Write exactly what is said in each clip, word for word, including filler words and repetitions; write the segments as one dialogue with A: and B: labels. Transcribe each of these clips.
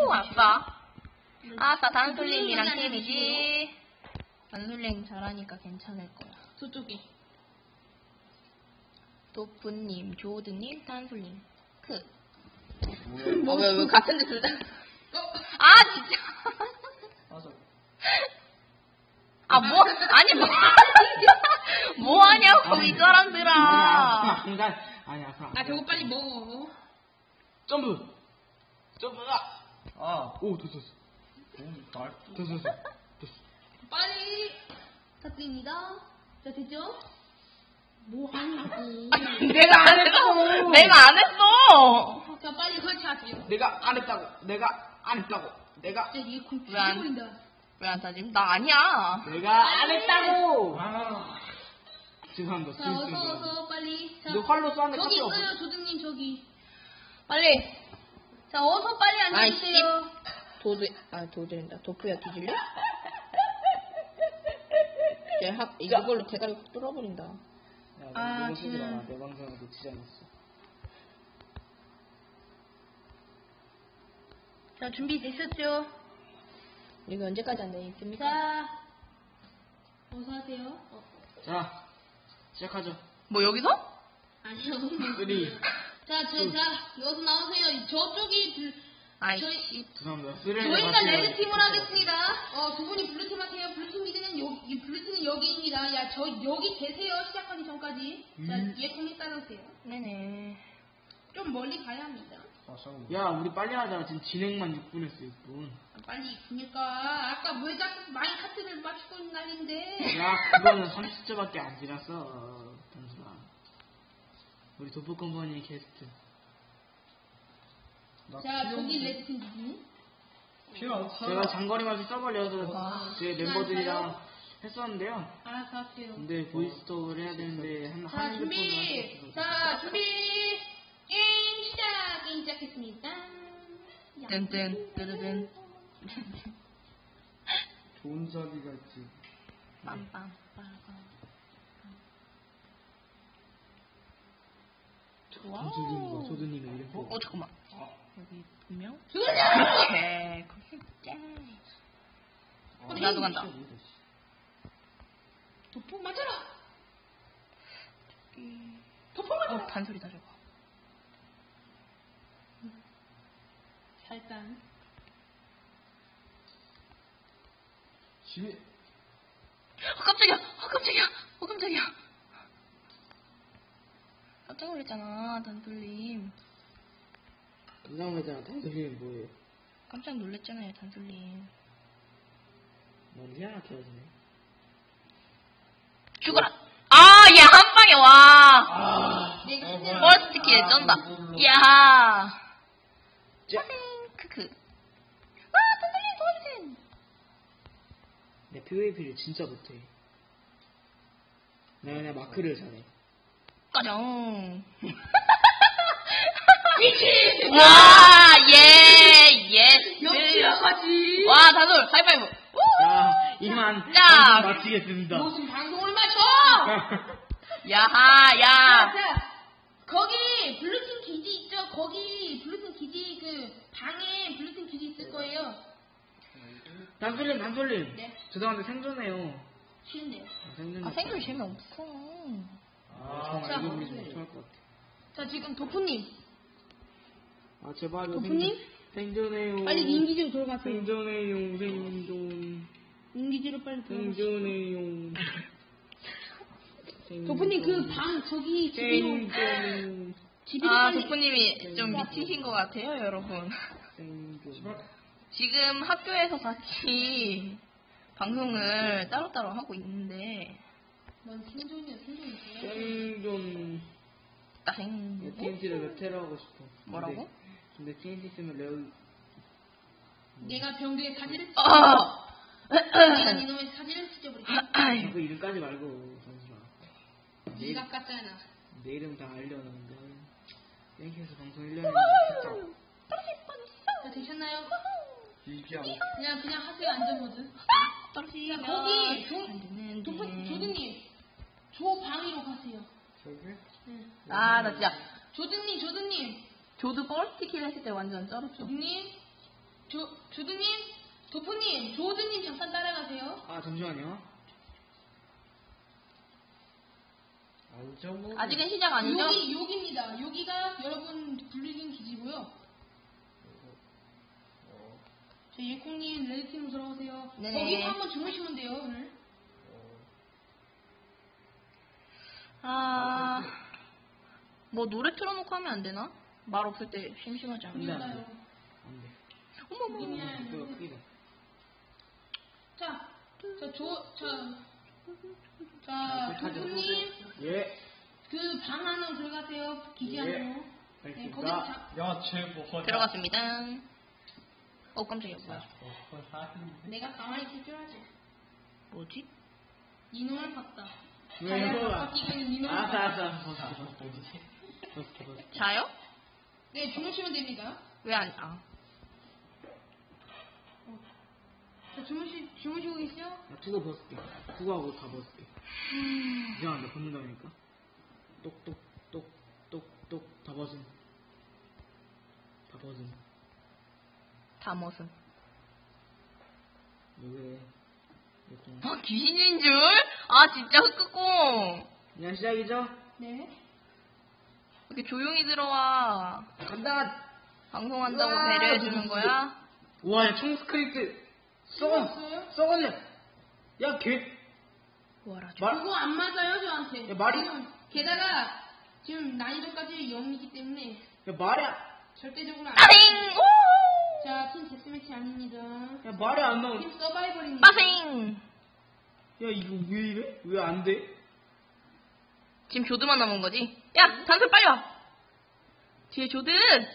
A: 오, 아싸. 아싸, 단솔님이랑 팀이지. 단솔님 잘하니까 괜찮을 거야.
B: 저쪽에.
A: 도프님, 조드님, 단솔님. 크.
C: 뭐,
A: 어, 왜, 왜, 같은데 둘 다.
B: 어?
A: 아, 진짜.
C: 맞아.
A: 아, 뭐, 아니, 뭐. 뭐 하냐고, 이 사람들아.
C: 아니야, 공간. 아니야, 아프라.
B: 아, 저거 빨리 먹어.
C: 점프! 점프가! 아, 오, 됐어, 됐어. 오, 됐어, 됐어. 됐어.
B: 빨리. 부탁드립니다. 자, 됐죠? 뭐 하냐고.
A: 내가 안 했어. 내가 안 했어.
B: 자, 빨리 설치하세요.
C: 내가 안 했다고. 내가 안 했다고. 내가,
B: 야, 얘 공
A: 왜 안-
B: 죽여버린다.
A: 왜 안 타지? 나 아니야.
C: 내가 안 했다고! 아. 죄송합니다.
B: 자, 어서, 어서, 빨리. 자,
C: 너 활로 쏘는데
B: 저기
C: 깜짝
B: 있어요, 조드님, 저기.
A: 빨리.
B: 자, 어서 빨리 앉아주세요.
A: 도드, 아, 도드린다. 도프야, 뒤질래? 얘 학, 이걸로 대가리 뚫어버린다.
C: 야,
B: 아,
C: 이거 쓰지 마라.
B: 지금-
C: 내 방송을 놓치지 않았어.
B: 자, 준비되셨죠?
A: 이거 언제까지 안 돼 있습니까?
B: 자, 어서 하세요. 어,
C: 자, 시작하죠.
A: 뭐, 여기서?
B: 아니요.
C: 쓰리.
B: 자, 저, 자, 여기서 나오세요. 저쪽이, 블,
A: 아이,
B: 저희-
A: 씨.
C: 죄송합니다. 쓰리를
B: 저희가
C: 같이
B: 레드팀을
C: 해요.
B: 하겠습니다. 어, 두 분이 블루팀 하세요. 블루팀 미드는 여기, 블루팀은 여기입니다. 야, 저, 여기 계세요. 시작하기 전까지. 자,
C: 음.
B: 뒤에 통이 따르세요.
A: 네네.
B: 좀 멀리 가야 합니다.
C: 야, 우리 빨리 하자. 지금 진행만 육 분 했어, 육 분.
B: 아, 빨리 그니까 아까 왜 자꾸 마인카트를 맞추고 있는 날인데.
C: 야, 그거는 삼십 초밖에 안 지났어. 단순아. 우리 도프컴퍼니 게스트.
B: 자, 저기 레드팀 누구?
C: 제가 장거리 마시 써버려서
A: 와.
C: 제 멤버들이랑 했었는데요.
B: 알아서 하세요.
C: 근데 보이스톡을 해야 되는데 한,
B: 자,
C: 한
B: 준비.
C: 핸드폰으로
B: 자, 준비. 게임 시작. 게임 시작했습니다. 야.
A: 뜬뜬, 뜨르든.
C: 좋은 자리가 있지.
A: 빰빰, 빠밤. 좋아.
C: 전수님과 소드님의 이름.
A: 어, 어, 잠깐만. 여기 분명?
B: 죽었냐?
A: 오케이. 거기 짠.
C: 어,
A: 나도 간다.
B: 도포 맞아라. 도포 맞아라.
A: 어, 반소리다, 저거.
B: 자, 일단.
C: 심해.
A: 어, 깜짝이야! 어, 깜짝이야! 어, 깜짝이야! 깜짝 놀랐잖아, 단솔님.
C: 이상하잖아. 단소리는 뭐예요?
A: 깜짝 놀랐잖아요, 단솔님.
C: 너무 희한하게 하시네.
A: 죽어라! 아, 얘 한 방에 와!
C: 아,
B: 내가
C: 어,
B: 그냥-
C: 뭐야.
A: 버스트 킬 쩐다.
C: 아,
A: 야
C: 자,
A: 크크. 아, 단솔님 도와주세요!
C: 내 피브이피를 진짜 못해. 내가 그냥 마크를 잘해.
A: 꺼정. 와, 예, 예.
B: 역시나가지.
A: 와, 단솔, 하이파이브.
C: 자, 이만
A: 자.
C: 방송 마치겠습니다.
B: 무슨 방송을 맞춰?
A: 야하,
B: 자,
A: 야.
B: 자, 거기 블루팀 기지 있죠? 거기 블루팀 기지 그 방에 블루팀 기지 있을 거예요.
C: 단솔님, 단솔님.
B: 네.
C: 죄송한데 생존해요.
B: 쉬운데요.
C: 아, 생존.
A: 아, 생존 재미없어.
C: 아, 정말
B: 자.
C: 이거 우리 좀 못할 것 같아.
B: 자, 지금 도프님.
C: 아, 제발.
B: 도프님?
C: 생존해요.
B: 빨리 인기지로 들어가세요.
C: 생존해요, 생존.
B: 인기지로 빨리 들어가세요.
C: 생존해요.
B: 도프님 그 방 저기 집으로
C: 생존.
B: 집으로
A: 아,
B: 빨리.
A: 도프님이 좀 미치신 것 같아요, 여러분.
C: 생존.
A: 지금 학교에서 같이 방송을 따로따로 하고 있는데,
B: 넌 생존이야, 생존이야.
C: 생존.
A: 따생.
C: 티엔티를 몇 테러 하고 싶어.
A: 뭐라고?
C: 근데, 근데 티엔티 쓰면 레오.
B: 내가 병두에 사진을 찍
A: 어!
B: 내가 이놈의 사진을 찍어버릴게.
C: 그 이름까지 말고, 잠시만. 내,
B: 지갑 같잖아.
C: 내 이름 다 알려놨는데. 땡큐에서 방송 일 년에 했죠.
B: 자, 되셨나요?
C: 이기야.
B: 그냥 그냥 하세요, 안전모드.
A: 떨어지면
B: 자, 거기 조,
A: 안 되는데.
B: 도프, 조드님 조 방위로 가세요.
C: 저기?
B: 네.
A: 아, 나 진짜
B: 조드님, 조드님,
A: 조드 버스트 킬 했을 때 완전 쩔었죠.
B: 조드님, 조, 조드님, 도프님, 조드님 잠깐 따라가세요.
C: 아, 잠시만요. 알죠, 뭐.
A: 아직은 시작 아니죠?
B: 여기, 여기입니다. 여기가 여러분 블루진 기지고요. 저 예콩님 레드팀으로 돌아오세요.
A: 네네.
B: 거기서 한번 주무시면 돼요, 오늘.
A: 아, 뭐 노래 틀어놓고 하면 안 되나? 말 없을 때 심심하지 않나?
C: 안 돼, 안 돼.
B: 몰라요.
C: 안 돼.
A: 어머머.
B: 그냥-
C: 그거 크기다.
B: 자, 자, 조, 자, 자,
C: 하죠.
B: 도프님,
C: 예.
B: 그 방 안으로 들어가세요. 기지
C: 예.
B: 안으로. 네, 거기서 자,
D: 야, 쟤뭐
A: 들어갔습니다. 어, 깜짝이야. 뭐야.
B: 내가 가만히 있을 줄 알지.
A: 뭐지?
B: 이놈을 봤다.
C: 왜
B: 자네가
C: 이거야?
B: 바뀌기는 이놈을
C: 알았어,
B: 봤다.
C: 알았어.
A: 자요?
B: 네, 주무시면 됩니다.
A: 왜 안, 아.
B: 자, 주무시, 주무시고 계시죠?
C: 나 투고 벗을게. 투고하고 다 벗을게. 이상한데, 벗는다니까? 똑똑, 똑, 똑, 똑, 다 벗음. 다 벗음.
A: 다 멋은.
C: 왜 그래? 이렇게.
A: 아, 귀신인 줄? 아, 진짜 흑흑공.
C: 그냥 시작이죠?
B: 네.
A: 이렇게 조용히 들어와.
C: 간다!
A: 방송한다고
C: 우와,
A: 배려해주는 거야?
C: 우와, 야, 총 스크립트! 썩은!
B: 들어왔어요?
C: 썩었네! 야, 개!
A: 뭐라 줘.
C: 말,
B: 그거 안 맞아요, 저한테.
C: 야, 말이-
B: 지금 게다가 지금 난이도까지 영이기 때문에
C: 야, 말이야!
B: 절대적으로 안
A: 빠생! 오!
B: 자, 팀 데스매치 아닙니다.
C: 야, 말이 안 나오네.
B: 팀 서바이벌입니다.
A: 빠생!
C: 야, 이거 왜 이래? 왜 안 돼?
A: 지금 조드만 남은 거지? 야, 단솔 빨리 와! 뒤에 조드!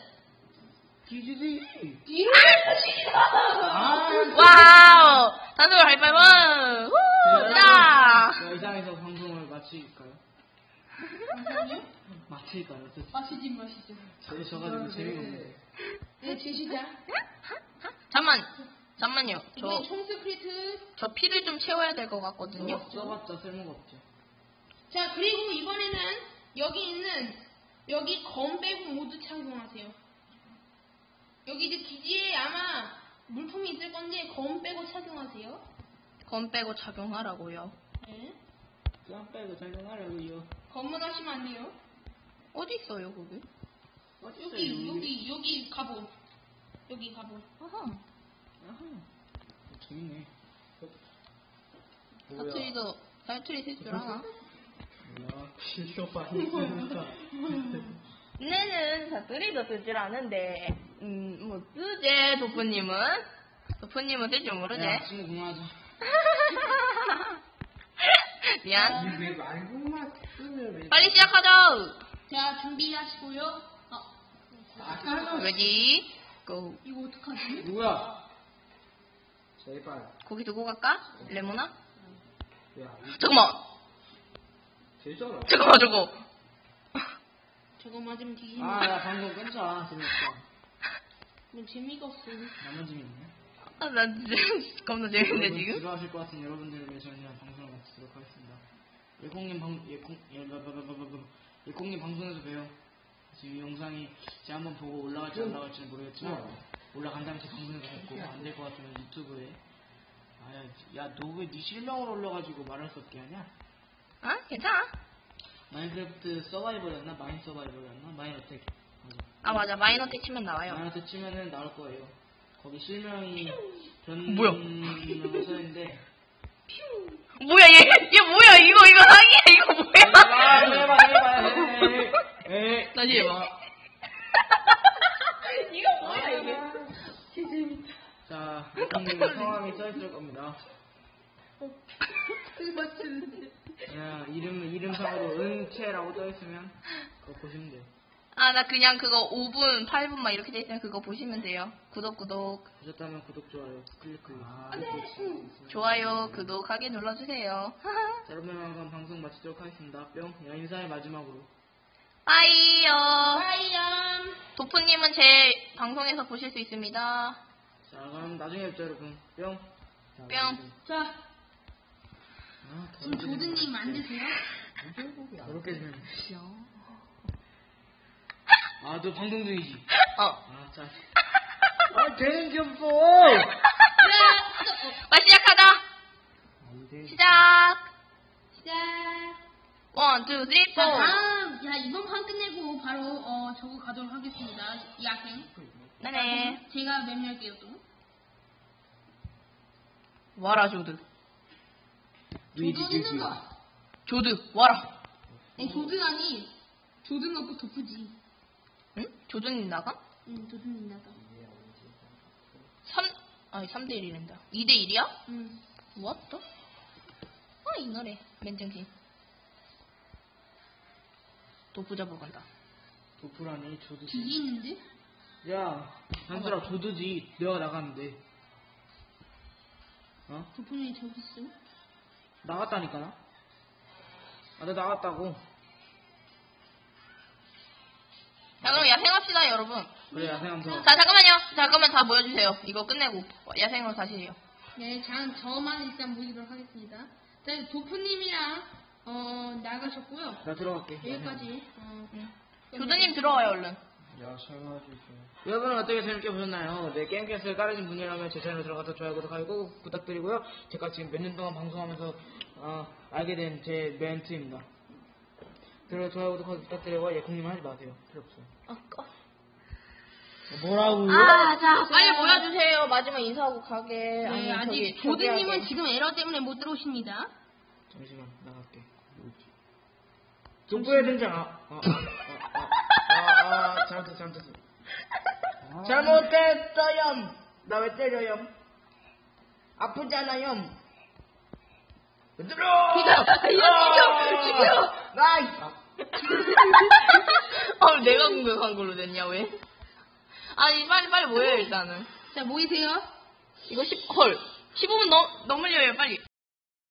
C: 뒤지지!
B: 뒤로
C: 아,
A: 와우! 단솔 하이파이브! 후! 자!
C: 야, 이상해서 방송을 마칠까요?
B: 잠깐만요.
C: 마칠까요? 저,
B: 마시지 마시죠.
C: 저, 져가지고 재미가 없는데.
B: 네, 제 시작.
A: 잠만, 잠만요. 저,
B: 이번엔 총스크리트.
A: 저 피를 좀 채워야 될 것 같거든요.
C: 써봤자 쓸모가 없죠.
B: 자, 그리고 이번에는 여기 있는 여기 검 빼고 모두 착용하세요. 여기 이제 기지에 아마 물품이 있을 건데 검 빼고 착용하세요.
A: 검 빼고 착용하라고요.
B: 네.
C: 쌈 빼고 작용하려고요.
B: 검은 하시면 안 돼요.
A: 어디 있어요, 거기?
B: 여기 여기 여기 갑옷. 여기 갑옷.
A: 아하.
C: 아하. 재밌네.
A: 사투리도, 사투리 쓸 줄 아나?
C: 뭐야, 필요 많이 쓰니까.
A: 내는 사투리도 쓸 줄 아는데, 음, 뭐, 쓰제, 도프님은? 도프님은 쓸 줄 모르지?
C: 야, 친구 그만하자.
A: 미안.
C: 왜 말고만 쓰면 왜?
A: 빨리 시작하자!
B: 자, 준비하시고요. 아,
A: 레디, 고.
B: 이거 어떡하지?
C: 누구야? 제발.
A: 고기 두고 갈까? 레모나?
C: 야,
A: 잠깐만!
C: 되잖아.
A: 잠깐만, 저거!
B: 저거 맞으면 뒤집어.
C: 아, 야, 방송 끊자. 재밌다.
B: 뭐 재미가 없어.
C: 나만 재밌네.
A: 아, 나 진짜 겁나 재밌는데, 지금?
C: 지루하실 것 같은 여러분들을 위해서 저는 방송을 마치도록 하겠습니다. 예콩님 방, 예콩, 예, 바바바바바바. 예콩님 방송에서 봬요. 지금 이 영상이 제가 한번 보고 올라갈지 안 올라갈지는 모르겠지만, 올라간다면 제 방송에서 뵙고, 안 될 것 같으면 유튜브에. 아, 야, 야, 너 왜 네 실명으로 올려가지고 말할 수 없게 하냐?
A: 아, 괜찮아.
C: 마인크래프트 서바이벌이었나? 마인 서바이벌이었나? 마인 어택. 맞아.
A: 아, 맞아. 마이너텍 치면 나와요.
C: 마인 어택 치면은 나올 거예요. 거기 실명이 변
A: 뭐야?
C: 써있는데.
A: 뭐야, 얘, 얘 뭐야, 이거, 이거 사기야, 이거
C: 아,
A: 뭐야?
C: 해봐, 해봐, 해. 에,
A: 다시 해봐. 이거 뭐야, 이게?
C: 자, 예콩님 성함이 써있을 겁니다. 야, 이름, 이름상으로 은채라고 써있으면, 그거 보시면 돼요.
A: 아, 나 그냥 그거 오 분, 팔 분 막 이렇게 돼 있으면 그거 보시면 돼요. 구독, 구독.
C: 보셨다면 구독, 좋아요, 클릭, 클릭.
A: 아, 좋아요, 구독하게 눌러주세요.
C: 자, 여러분, 한번 방송 마치도록 하겠습니다. 뿅. 야, 인사의 마지막으로.
A: 빠이요.
B: 빠이염.
A: 도프님은 제 방송에서 보실 수 있습니다.
C: 자, 그럼 나중에 뵙자, 여러분. 뿅.
A: 뿅.
B: 자,
C: 아,
B: 지금 조드님 만드세요?
C: 그렇게 되면. 아, 너 방송 중이지?
A: 어.
C: 아, 짜. 아, 되는 게 없어.
A: 빨리 시작하자.
C: 안 돼.
A: 시작.
B: 시작.
A: 원, 투, 쓰리, 포.
B: 자, 다음, 자, 이번 판 끝내고 바로, 어, 저거 가도록 하겠습니다. 야생.
A: 네네.
B: 제가 맵낼게요, 또.
A: 와라, 조드.
B: 조든 있는 거.
A: 조드, 와라.
B: 아니, 조든 아니, 조든 넣고 덮으지.
A: 응? 조드님 나가?
B: 응, 조든 나가.
A: 삼, 아니, 삼 대 일이란다. 이 대 일이야?
B: 응.
A: What the? 아, 이 노래. 맨정신. 도프 잡으러 간다.
C: 도프라니 조드.
B: 뒤에 있는데?
C: 야, 한솔아 조드지. 내가 나갔는데. 어?
B: 도프는 저기 있어.
C: 나갔다니까 나. 아, 나 나갔다고.
A: 자, 그럼 야생합시다, 여러분.
C: 그래, 야생하면서.
A: 자, 잠깐만요. 잠깐만 다 모여주세요. 이거 끝내고 야생으로 다시 해요.
B: 네, 자, 저만 일단 모이도록 하겠습니다. 자, 도프님이랑, 어, 나가셨고요.
C: 나 들어갈게.
B: 여기까지, 어,
A: 응. 조드님 들어와요, 얼른.
C: 야, 설마해주세요. 여러분은 어떻게 재밌게 보셨나요? 네, 게임캐스트를 깔으신 분이라면 제 채널에 들어가서 좋아요, 구독하고 꼭 부탁드리고요. 제가 지금 몇 년 동안 방송하면서 어, 알게 된 제 멘트입니다. 들어 좋아요, 구독하기 부탁드리고 예콩님 하지 마세요. 필요 없어요.
A: 아, 꺼.
C: 뭐라고요?
A: 아, 자, 빨리 모여주세요. 마지막 인사하고 가게.
B: 네,
A: 아니,
B: 아직
A: 저기,
B: 조드님은
A: 저기
B: 지금 에러 때문에 못 들어오십니다.
C: 잠시만, 나갈게. 족보의 등장. 아, 아, 아, 아, 아, 아, 잘못했어, 잘못했어. 잘못했어요. 나 왜 때려요? 아프잖아요. 들어!
A: 이거 죽여! 죽여!
C: 나이!
A: 어, 내가 공격한 걸로 됐냐, 왜? 아니, 빨리, 빨리 모여요, 일단은.
B: 자, 모이세요.
A: 이거 십, 헐. 십오 분 넘, 넘으려요, 빨리.